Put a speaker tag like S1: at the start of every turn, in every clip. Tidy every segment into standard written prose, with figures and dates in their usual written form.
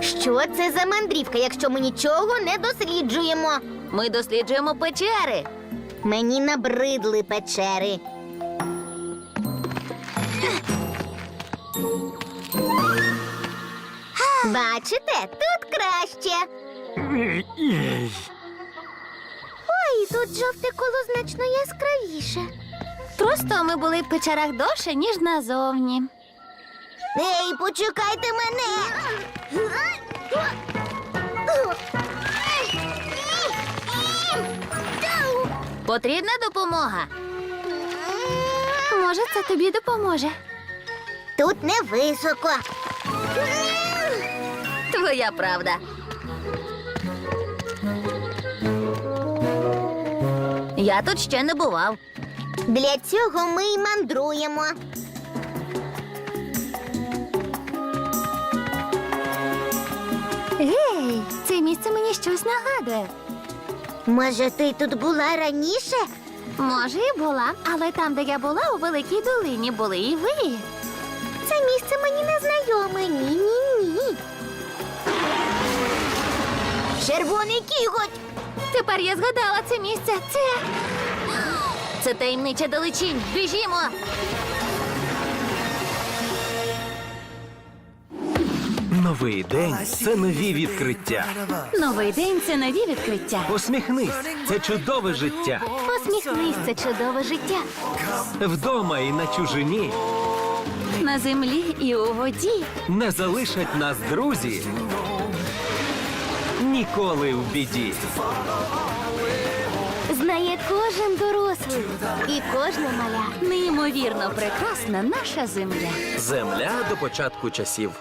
S1: Що це за мандрівка, якщо ми нічого не досліджуємо?
S2: Ми досліджуємо печери.
S1: Мені набридли печери. Бачите, тут краще. Ой, тут жовте коло значно яскравіше.
S2: Просто ми були в печерах довше, ніж назовні.
S1: Ей, почекайте мене.
S2: Потрібна допомога. Може, це тобі допоможе.
S1: Тут не високо.
S2: Твоя правда. Я тут ще не бував.
S1: Для цього ми й мандруємо.
S2: Гей, це місце мені щось нагадує.
S1: Може, ти тут була раніше?
S2: Може, і була, але там, де я була, у Великій долині, були і ви.
S1: Це місце мені не знайоме. Ні-ні-ні. Червоний кіготь.
S2: Тепер я згадала це місце. Це таємнича далечінь. Біжімо!
S3: Новий день – це нові відкриття.
S2: Новий день – це нові відкриття.
S3: Посміхнись – це чудове життя.
S2: Посміхнись, це чудове життя.
S3: Вдома і на чужині
S2: На землі і у воді.
S3: не залишать нас друзі. Ніколи в біді.
S2: Знає кожен дорослий і кожна маля. Неймовірно прекрасна наша земля.
S4: Земля до початку часів.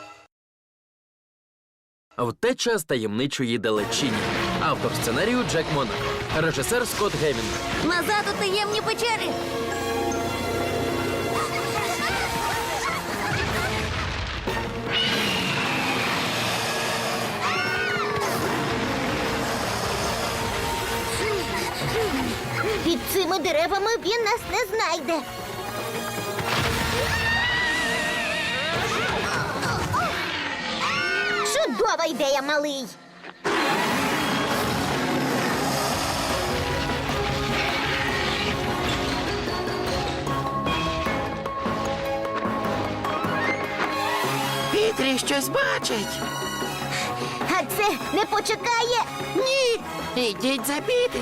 S4: Втеча з таємничої далечині. Автор сценарію Джек Монак. Режисер Скотт Гевін.
S2: Назад у таємні печери.
S1: Під цими деревами він нас не знайде. Чудова ідея, малий.
S5: Пітрі щось бачить.
S1: А це не почекає.
S5: Ні, ідіть за Пітрі.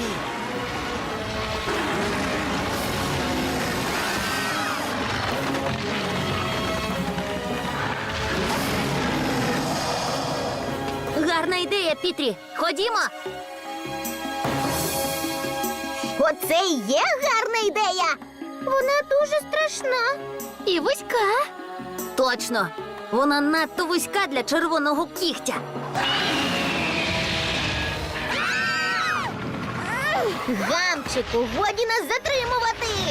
S2: Гарна ідея, Пітрі. Ходімо.
S1: Оце і є гарна ідея. Вона дуже страшна.
S2: І вузька. Точно. Вона надто вузька для червоного кігтя.
S1: Гамчику, годі нас затримувати.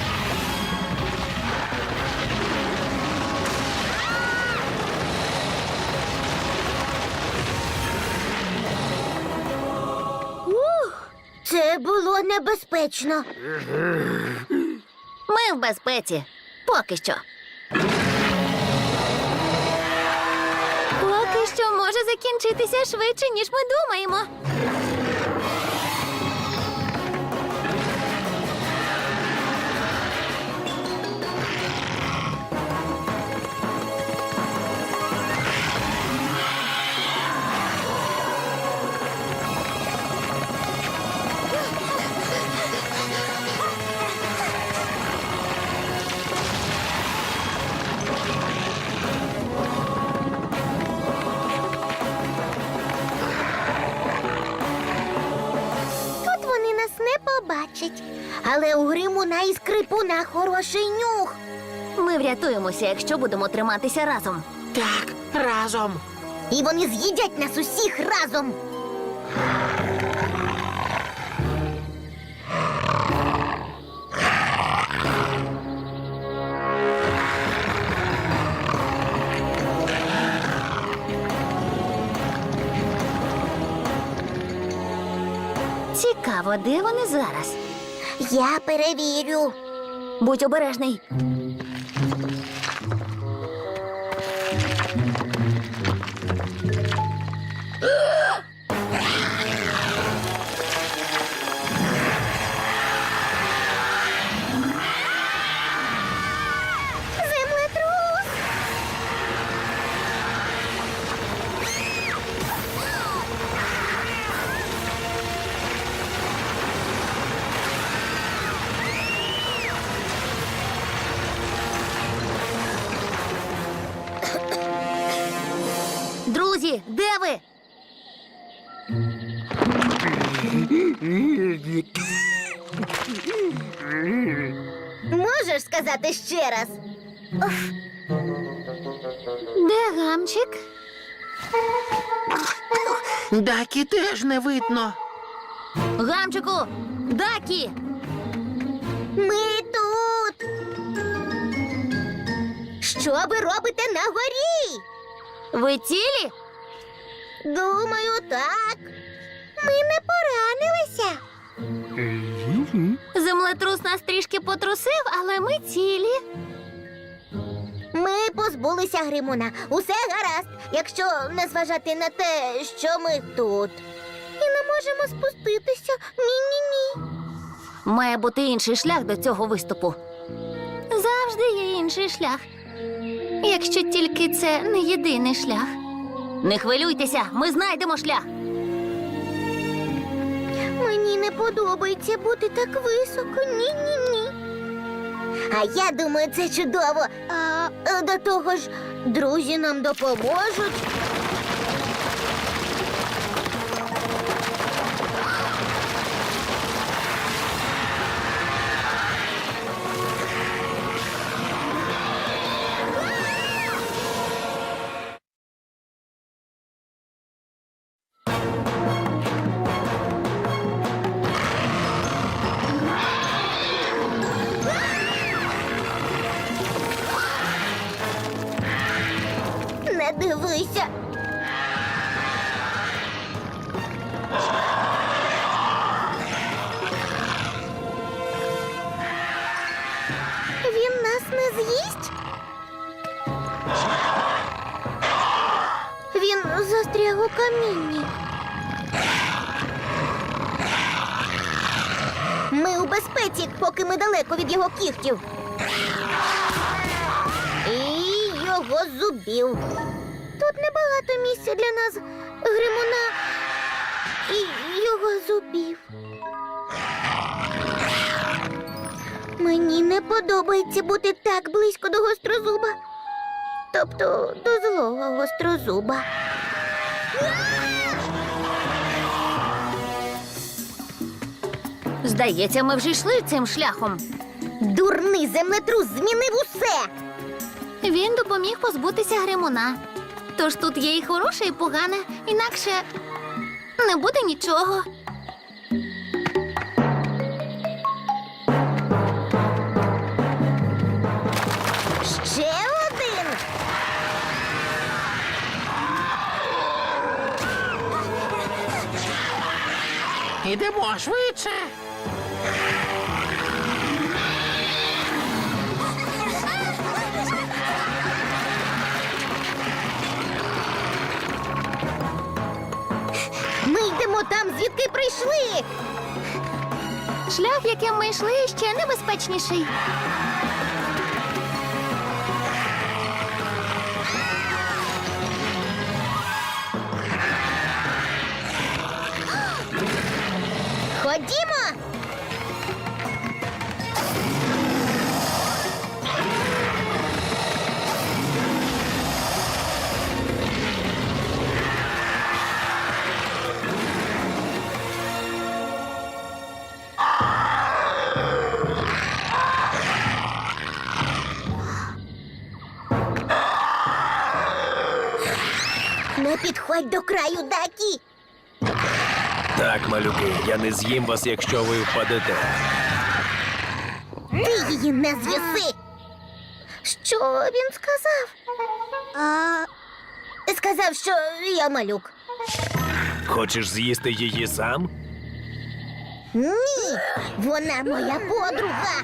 S1: Це було небезпечно.
S2: Ми в безпеці. Поки що. Поки що може закінчитися швидше, ніж ми думаємо.
S1: Тут вони нас не побачать. Але у Гримуна і Скрипуна хороший нюх.
S2: Ми врятуємося, якщо будемо триматися разом.
S5: Так, разом.
S1: І вони з'їдять нас усіх разом.
S2: Цікаво, де вони зараз?
S1: Я перевірю.
S2: Будь обережний. Друзі, де ви?
S1: Можеш сказати ще раз?
S2: Де гамчик?
S5: Дакі теж не видно.
S2: Гамчику! Дакі!
S1: Ми тут. Що ви робите на горі?
S2: Ви цілі?
S1: Думаю, так. Ми не поранилися.
S2: Землетрус нас трішки потрусив, але ми цілі.
S1: Ми позбулися Гримуна. Усе гаразд, якщо не зважати на те, що ми тут. І не можемо спуститися. Ні-ні-ні.
S2: Має бути інший шлях до цього виступу. Завжди є інший шлях. Якщо тільки це не єдиний шлях. Не хвилюйтеся, ми знайдемо шлях.
S1: Мені не подобається бути так високо. Ні-ні-ні. А я думаю, це чудово. До того ж, друзі нам допоможуть. Не дивися. Він нас не з'їсть? Він застряг у камінні. Ми у безпеці, поки ми далеко від його кігтів. І його зубів. Тут небагато місця для нас, Гримуна і його зубів. Мені не подобається бути так близько до гострозуба. Тобто до злого гострозуба.
S2: Здається, ми вже йшли цим шляхом.
S1: Дурний землетрус змінив усе.
S2: Він допоміг позбутися Гримуна. Тож тут є і хороше, і погане, інакше не буде нічого.
S1: Ще один.
S5: Ідемо швидше.
S1: Ми йдемо там, звідки прийшли.
S2: Шлях, яким ми йшли, ще небезпечніший.
S1: Ходімо. Не підходь до краю, Дакі.
S3: Так, малюки, я не з'їм вас, якщо ви впадете.
S1: Ти її не з'їси. Що він сказав? Сказав, що я малюк.
S3: Хочеш з'їсти її сам?
S1: Ні, вона моя подруга.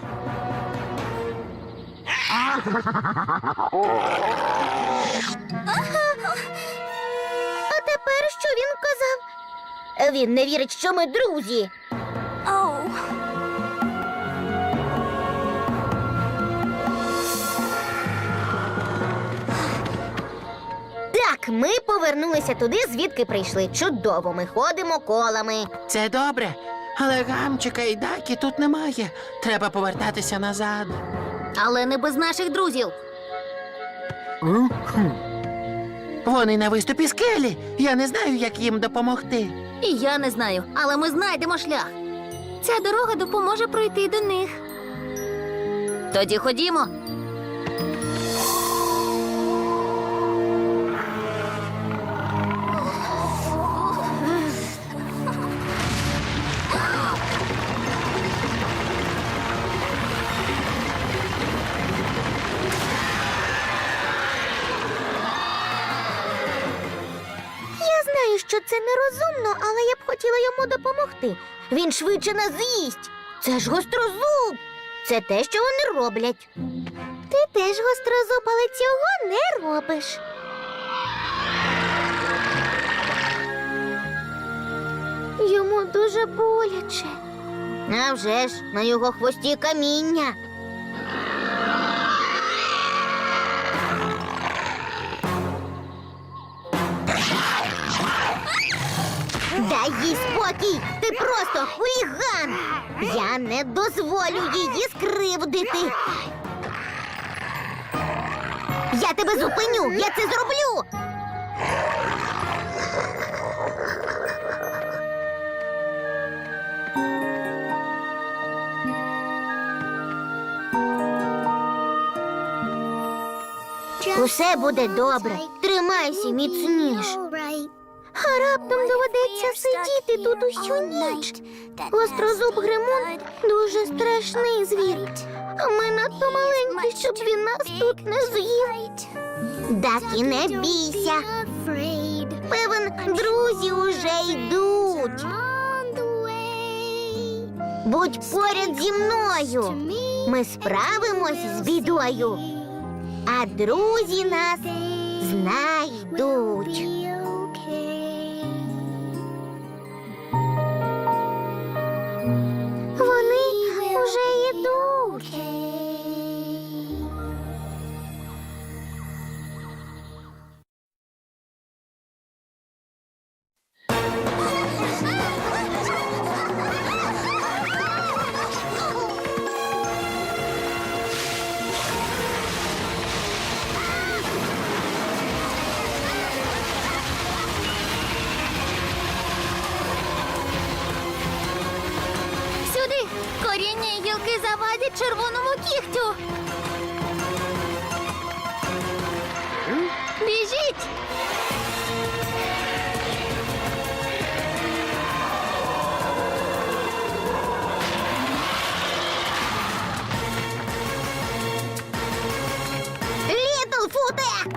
S1: А тепер що він казав? Він не вірить, що ми друзі. Так, ми повернулися туди, звідки прийшли. Чудово, ми ходимо колами.
S5: Це добре, але гамчика і Дакі тут немає. Треба повертатися назад.
S2: Але не без наших друзів.
S5: Вони на виступі скелі. Я не знаю, як їм допомогти.
S2: І я не знаю, але ми знайдемо шлях. Ця дорога допоможе пройти до них. Тоді ходімо.
S1: Я знаю, що це нерозумно, але я б хотіла йому допомогти. Він швидше нас з'їсть. Це ж гострозуб. Це те, що вони роблять. Ти теж гострозуб, але цього не робиш. Йому дуже боляче. А вже ж, на його хвості каміння. Дай їй спокій! Ти просто хуліган! Я не дозволю її скривдити! Я тебе зупиню! Я це зроблю! Усе буде добре. Тримайся міцніш. А раптом доведеться сидіти тут усю ніч. Гострозуб Гримун дуже страшний звір. А ми надто маленькі, щоб він нас тут не з'їв. Дакі, не бійся. Певен, друзі уже йдуть. Будь поряд зі мною. Ми справимось з бідою. А друзі нас знайдуть. Вони вже йдуть.
S2: Сюди! Коріння і гілки завадять червоному кігтю. Біжіть!
S1: Літлфуте!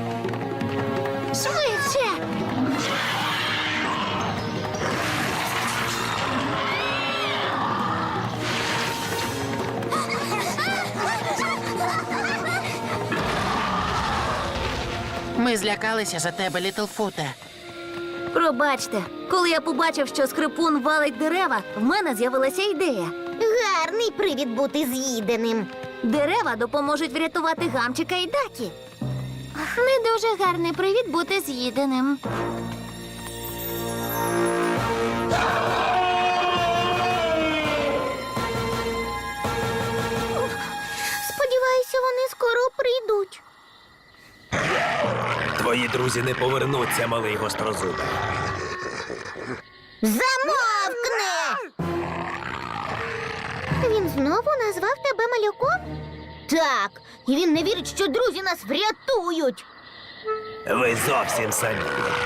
S2: Швидше!
S5: Ми злякалися за тебе, Літлфуте.
S2: Пробачте, коли я побачив, що скрипун валить дерева, в мене з'явилася ідея.
S1: Гарний привід бути з'їденим.
S2: Дерева допоможуть врятувати Гамчика і Дакі. Не дуже гарний привід бути з'їденим.
S1: Сподіваюся, вони скоро прийдуть.
S3: Твої друзі не повернуться, малий гострозубе.
S1: Замовкни! Він знову назвав тебе малюком? Так, і він не вірить, що друзі нас врятують.
S3: Ви зовсім самі.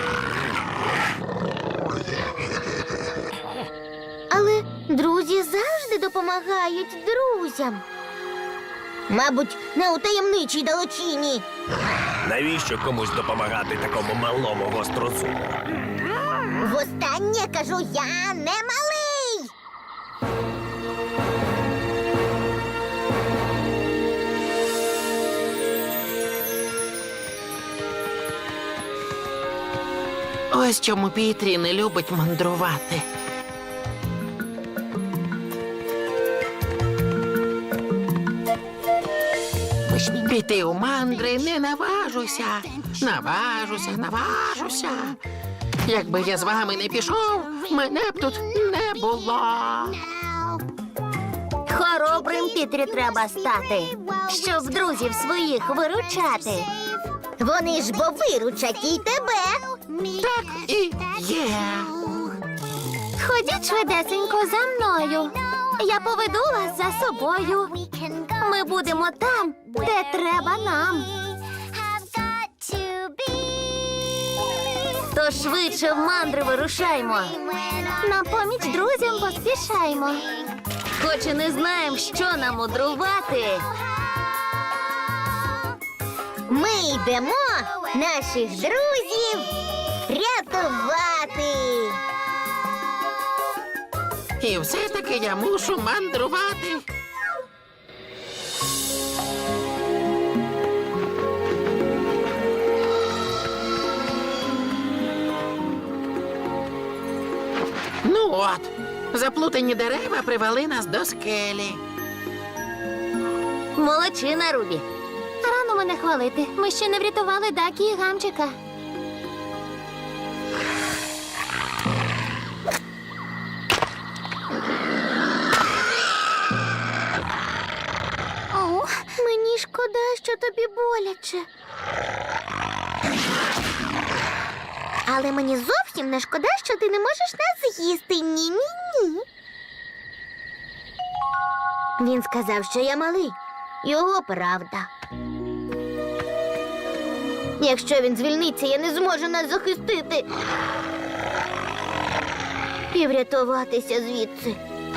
S1: Але друзі завжди допомагають друзям. Мабуть, не у таємничій далечині.
S3: Навіщо комусь допомагати такому малому гострозубу?
S1: Востаннє кажу, я не малий.
S5: Ось чому Пітрі не любить мандрувати. Піти у мандри не наважуся. Наважуся. Якби я з вами не пішов, мене б тут не було.
S2: Хоробрим Пітрі треба стати, щоб друзів своїх виручати.
S1: Вони ж бо виручать і тебе.
S5: Так і є.
S2: Ходіть швидесенько за мною. Я поведу вас за собою. Ми будемо там, де треба нам. То швидше в мандри вирушаймо. На поміч друзям поспішаймо. Хоч і не знаємо, що нам мудрувати.
S1: Ми йдемо наших друзів рятувати.
S5: І все-таки я мушу мандрувати. Ну от, заплутані дерева привели нас до скелі.
S2: Молодчина, Рубі. Рано мене хвалити. Ми ще не врятували Дакі і Гамчика.
S1: Мені шкода, що тобі боляче. Але мені зовсім не шкода, що ти не можеш нас з'їсти. Ні-ні-ні. Він сказав, що я малий. Його правда. Якщо він звільниться, я не зможу нас захистити. І врятуватися звідси.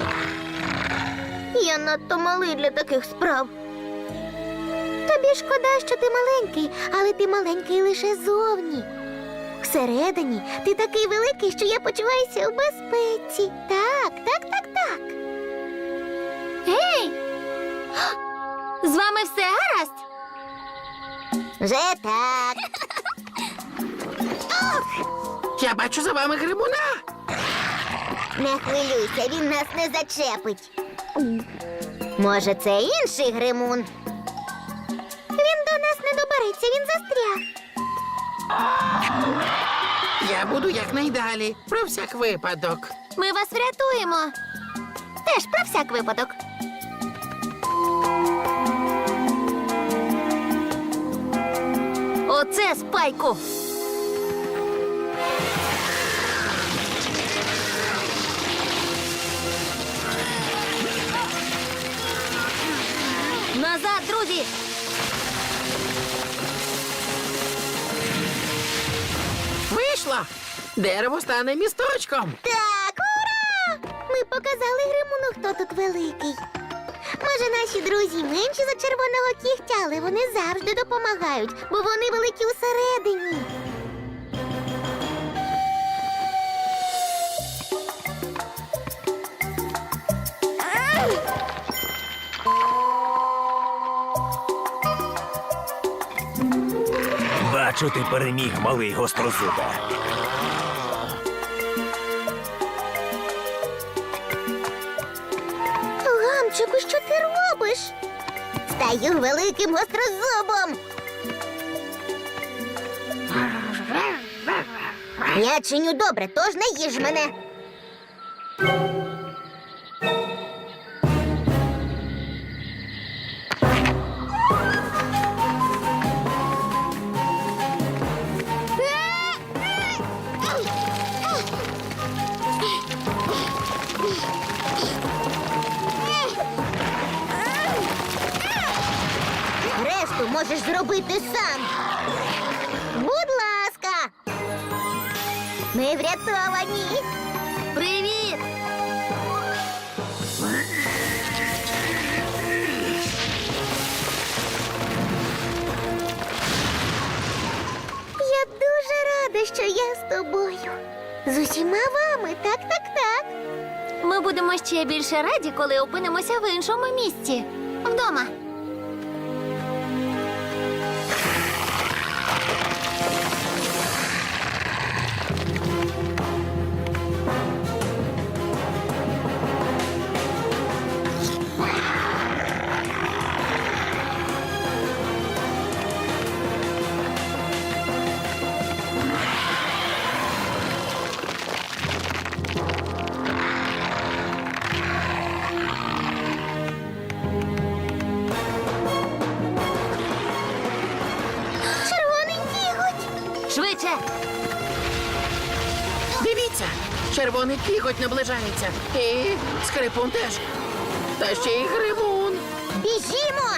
S1: Я надто малий для таких справ. Тобі шкода, що ти маленький, але ти маленький лише зовні. Всередині ти такий великий, що я почуваюся у безпеці. Так.
S2: Гей! З вами все гаразд?
S1: Вже так.
S5: Я бачу за вами гримуна.
S1: Не хвилюйся, він нас не зачепить. Може, це інший гримун? Він до нас не добереться, він застряг.
S5: Я буду якнайдалі, про всяк випадок.
S2: Ми вас врятуємо. Теж про всяк випадок. Оце Спайку. Назад, друзі!
S5: Вийшло! Дерево стане місточком.
S1: Так, ура! Ми показали гримуну, хто тут великий. Може, наші друзі менші за червоного кігтя, але вони завжди допомагають, бо вони великі усередині.
S3: Бачу, ти переміг, малий гострозубе.
S1: Гамчику, що ти робиш? Стаю великим гострозубом. Я чиню добре, тож не їж мене. Решту можеш зробити сам. Будь ласка. Ми врятовані.
S2: Привіт!
S1: Я дуже рада, що я з тобою. З усіма вами, так.
S2: Ми будемо ще більше раді, коли опинимося в іншому місці. Вдома.
S5: Дивіться, червоний кіготь наближається. І скрипун теж. Та ще й гримун.
S1: Біжімо!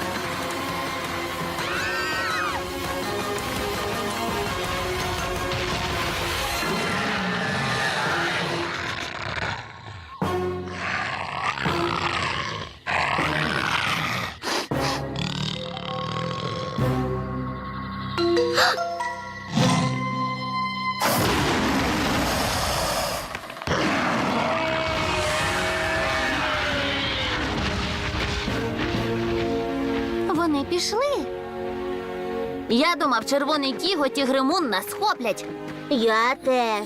S2: Вони пішли. Я думав, червоний кіготь і гримун нас схоплять.
S1: Я теж.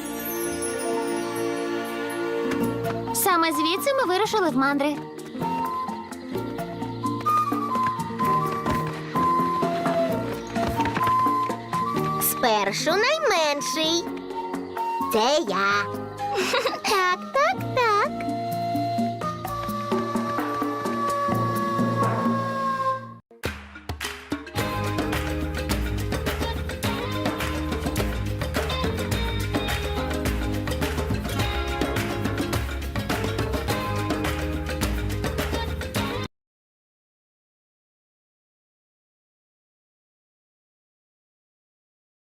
S2: Саме звідси ми вирушили в мандри.
S1: Спершу найменший. Це я. Так,